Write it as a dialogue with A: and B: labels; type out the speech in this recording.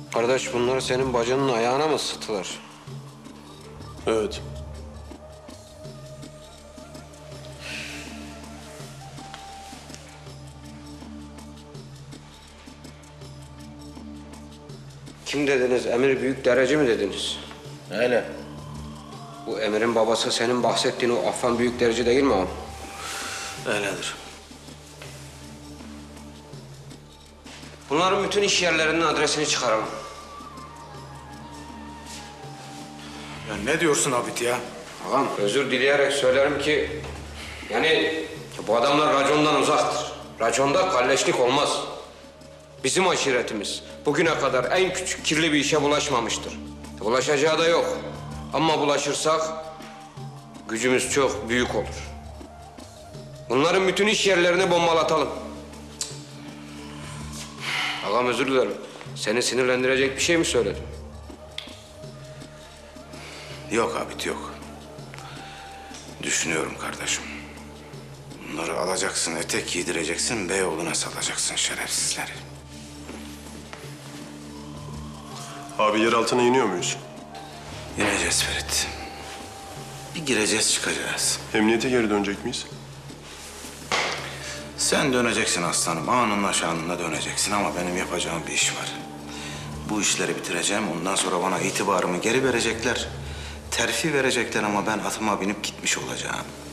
A: Kardeş bunları senin bacının ayağına mı ısıttılar?
B: Evet.
A: Kim dediniz? Emir büyük derece mi dediniz?
C: Öyle.
A: Bu Emir'in babası senin bahsettiğin o Affan büyük derece değil mi ağam?
C: Öyledir.
A: Bunların bütün iş yerlerinin adresini çıkaralım.
D: Ya ne diyorsun Abid ya?
A: Ağam özür dileyerek söylerim ki... Yani bu adamlar racondan uzaktır. Raconda kalleşlik olmaz. Bizim aşiretimiz bugüne kadar en küçük kirli bir işe bulaşmamıştır. Bulaşacağı da yok. Ama bulaşırsak gücümüz çok büyük olur. Bunların bütün iş yerlerini bombalatalım. Ağam özür dilerim. Seni sinirlendirecek bir şey mi söyledim?
D: Yok Abid yok. Düşünüyorum kardeşim. Bunları alacaksın, etek giydireceksin, Beyoğlu'na salacaksın şerefsizleri.
B: Abi yer altına iniyor muyuz?
D: İneceğiz Ferit. Bir gireceğiz çıkacağız.
B: Emniyete geri dönecek miyiz?
D: Sen döneceksin aslanım, anınla şanınla döneceksin ama benim yapacağım bir iş var. Bu işleri bitireceğim, ondan sonra bana itibarımı geri verecekler. Terfi verecekler ama ben atıma binip gitmiş olacağım.